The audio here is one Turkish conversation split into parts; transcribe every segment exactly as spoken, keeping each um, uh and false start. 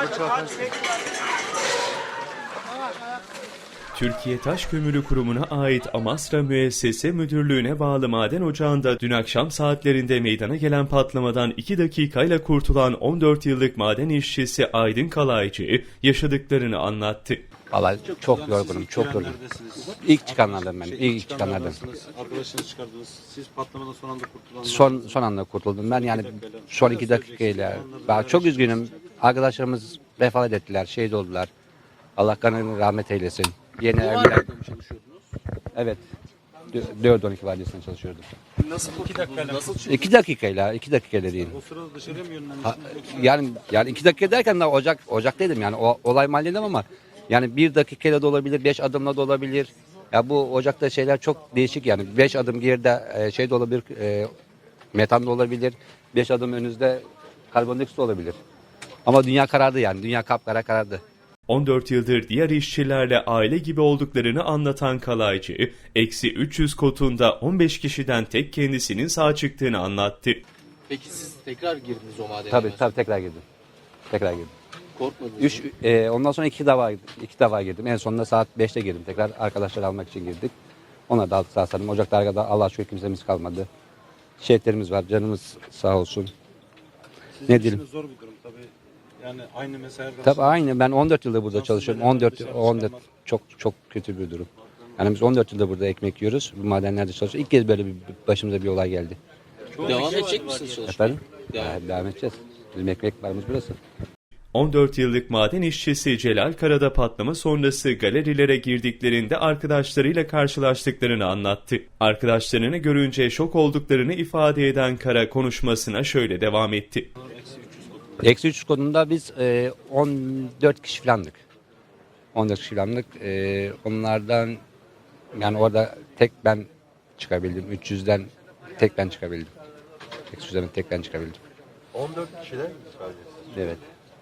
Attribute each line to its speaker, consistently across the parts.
Speaker 1: Türkiye Taş Kömürü Kurumu'na ait Amasra Müessese Müdürlüğü'ne bağlı maden ocağında dün akşam saatlerinde meydana gelen patlamadan iki dakikayla kurtulan on dört yıllık maden işçisi Aydın Kalaycı yaşadıklarını anlattı.
Speaker 2: Vallahi çok, çok yorgunum, çok yorgunum. İlk çıkanlardan ben, ilk çıkanlardan.
Speaker 3: Arkadaşınızı çıkardınız. Siz patlamadan son anda kurtuldunuz.
Speaker 2: Son son anda kurtuldum ben yani son iki dakikayla. Ben çok üzgünüm. Arkadaşlarımız vefat ettiler, şehit oldular. Allah kanını rahmet eylesin. Yeni evliler.
Speaker 3: mı çalışıyordunuz?
Speaker 2: Evet. dört on iki vardiyasında çalışıyordum.
Speaker 3: Nasıl iki dakikayla? Nasıl çıktınız?
Speaker 2: İki dakikayla, iki dakikayla değil.
Speaker 3: O sırada dışarıya mı yönlendiniz?
Speaker 2: Ha, yani yani iki dakika derken daha ocak ocak dedim yani o olay mahalledim ama yani bir dakikayla da olabilir, beş adımla da olabilir. Ya bu ocakta şeyler çok değişik yani. Beş adım geride e, şey de olabilir, e, metan da olabilir. Beş adım önünüzde karbondioksit de olabilir. Ama dünya karardı yani. Dünya kapkara karardı.
Speaker 1: on dört yıldır diğer işçilerle aile gibi olduklarını anlatan Kalaycı, eksi üç yüz kotunda on beş kişiden tek kendisinin sağ çıktığını anlattı.
Speaker 4: Peki siz tekrar girdiniz o madene?
Speaker 2: Tabii tabii tekrar girdim. Tekrar girdim.
Speaker 4: Korkmadınız
Speaker 2: Üç,
Speaker 4: mı?
Speaker 2: e, ondan sonra iki defa iki defa girdim. En sonunda saat beşte girdim. Tekrar arkadaşlar almak için girdik. Ona da aldık sağ salim. Ocakta arkada Allah'a şükür kimsemiz kalmadı. Şehitlerimiz var. Canımız sağ olsun.
Speaker 3: Sizin
Speaker 2: ne
Speaker 3: işiniz
Speaker 2: diyelim?
Speaker 3: zor bir durum tabii. Yani aynı mesai arkadaşlar.
Speaker 2: Tabii aynı. Ben on dört yıldır burada
Speaker 3: Nasıl
Speaker 2: çalışıyorum.
Speaker 3: böyle
Speaker 2: on dört
Speaker 3: dışarı
Speaker 2: on dört
Speaker 3: çıkarmak?
Speaker 2: çok çok kötü bir durum. Yani biz on dört yıldır burada ekmek yiyoruz. Bu madenlerde çalışıyoruz. İlk kez böyle bir başımıza bir olay geldi.
Speaker 4: Devam edecek misiniz çalışmaya?
Speaker 2: Efendim?
Speaker 4: Devam.
Speaker 2: Ya, devam edeceğiz. Bizim ekmek barımız burası.
Speaker 1: on dört yıllık maden işçisi Celal Karada patlama sonrası galerilere girdiklerinde arkadaşlarıyla karşılaştıklarını anlattı. Arkadaşlarını görünce şok olduklarını ifade eden Kara konuşmasına şöyle devam etti.
Speaker 2: Eksi üç kodunda biz e, on dört kişi falandık. on dört kişi falandık. E, onlardan yani orada tek ben çıkabildim. üç yüzden tek ben çıkabildim. Eksi yüzden tek ben çıkabildim.
Speaker 5: on dört kişiden mi sadece?
Speaker 2: Evet.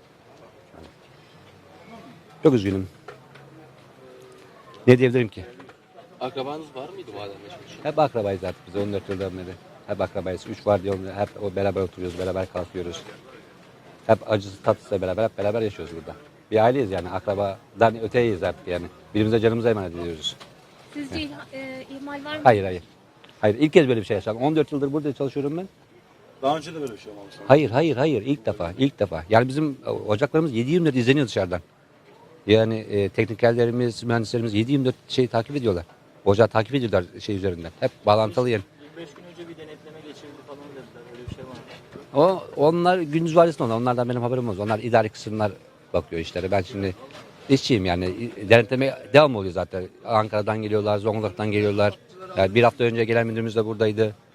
Speaker 2: Çok üzgünüm. Ne diyebilirim ki?
Speaker 4: Akrabanız var mıydı madende çalışan?
Speaker 2: Hep akrabayız artık biz on dört yıldan beri. Hep akrabayız. Üç var diye hep o beraber oturuyoruz, beraber kalkıyoruz. Hep acısı tatlısıyla beraber, hep beraber yaşıyoruz burada. Bir aileyiz yani, akrabadan öteyiz artık yani. Birbirimize canımıza emanet ediyoruz.
Speaker 6: Sizce ih- e, ihmal var mı?
Speaker 2: Hayır, hayır. Hayır, ilk kez böyle bir şey yaşadım. on dört yıldır burada çalışıyorum ben.
Speaker 3: Daha önce de böyle bir şey olmamış.
Speaker 2: Hayır, hayır, hayır. İlk defa, ilk defa. Yani bizim ocaklarımız yedi yirmi dört izleniyor dışarıdan. Yani e, teknikerlerimiz, mühendislerimiz yedi yirmi dört şeyi takip ediyorlar. Ocağı takip ediyorlar şey üzerinden. Hep bağlantılı yani.
Speaker 7: yirmi beş gün önce bir denetleme geçirildi falan dediler. Öyle bir şey var mı?
Speaker 2: O, onlar gündüz vardiyasında onlar. Onlardan benim haberim olmaz. Onlar idari kısımlar bakıyor işlere. Ben şimdi işçiyim yani. Denetleme devam oluyor zaten. Ankara'dan geliyorlar, Zonguldak'tan geliyorlar. Yani bir hafta önce gelen müdürümüz de buradaydı.